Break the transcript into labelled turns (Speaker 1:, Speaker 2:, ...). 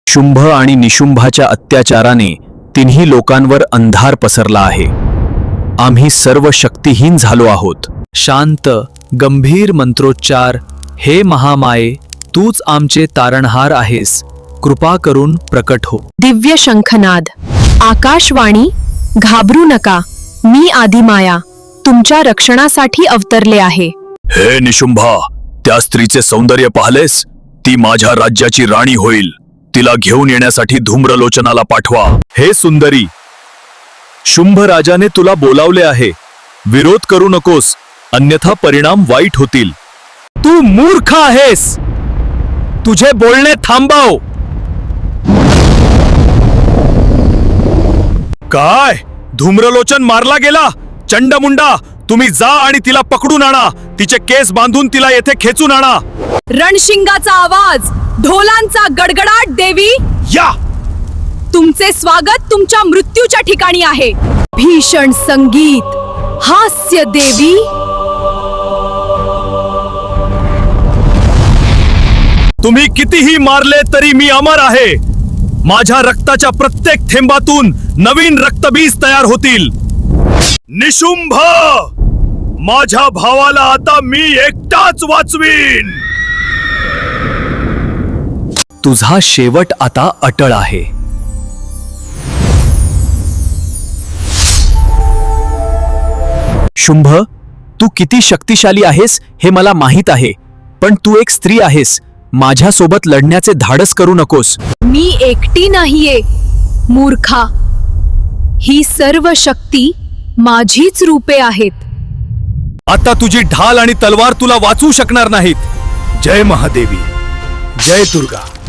Speaker 1: शुंभ आणि निशुंभाच्या अत्याचाराने तिन्ही लोकांवर अंधार पसरला आहे. आम्ही सर्व शक्तिहीन झालो आहोत. शांत गंभीर मंत्रोच्चार. हे महामाये, तूच आमचे तारणहार आहेस. कृपा करून प्रकट हो.
Speaker 2: दिव्य शंखनाद. आकाशवाणी. घाबरू नका, मी आदिमाया तुमच्या रक्षणासाठी अवतरले आहे.
Speaker 1: हे निशुंभा, त्या स्त्रीचे सौंदर्य पाहलेस? ती माझ्या राज्याची राणी होईल. तिला घेऊन येण्यासाठी धूम्रलोचनाला पाठवा. हे सुंदरी, शुंभ राजाने तुला बोलावले आहे. विरोध करू नकोस, अन्यथा परिणाम वाईट होतील. तू मूर्ख आहेस. तुझे बोलणे थांबव. काय? धूम्रलोचन मारला गेला? चंडमुंडा, तुम्ही जा आणि तिला पकडून आणा. तिचे केस बांधून तिला येथे खेचून आणा.
Speaker 2: रणशिंगाचा आवाज, ढोलांचा गडगडाट. देवी,
Speaker 1: या.
Speaker 2: तुमचे स्वागत तुमच्या मृत्यूच्या ठिकाणी आहे. भीषण संगीत. हास्य. देवी,
Speaker 1: तुम्ही कितीही मारले तरी मी अमर आहे. माझ्या रक्ताच्या प्रत्येक थेंबातून नवीन रक्तबीज तयार होतील. निशुंभ, माझ्या भावाला आता मी एकटाच वाचवीन. तुझा शेवट आता अटळ आहे. शुंभ, तू किती शक्तिशाली आहेस हे मला माहीत आहे, पण तू एक स्त्री आहेस. माझ्यासोबत लढण्याचे धाडस करू नकोस.
Speaker 2: मी एकटी नाहीये मूर्खा. ही सर्व शक्ती माझीच रूपे आहेत.
Speaker 1: आता तुझी ढाल आणि तलवार तुला वाचवू शकणार नाहीत. जय महादेवी, जय दुर्गा.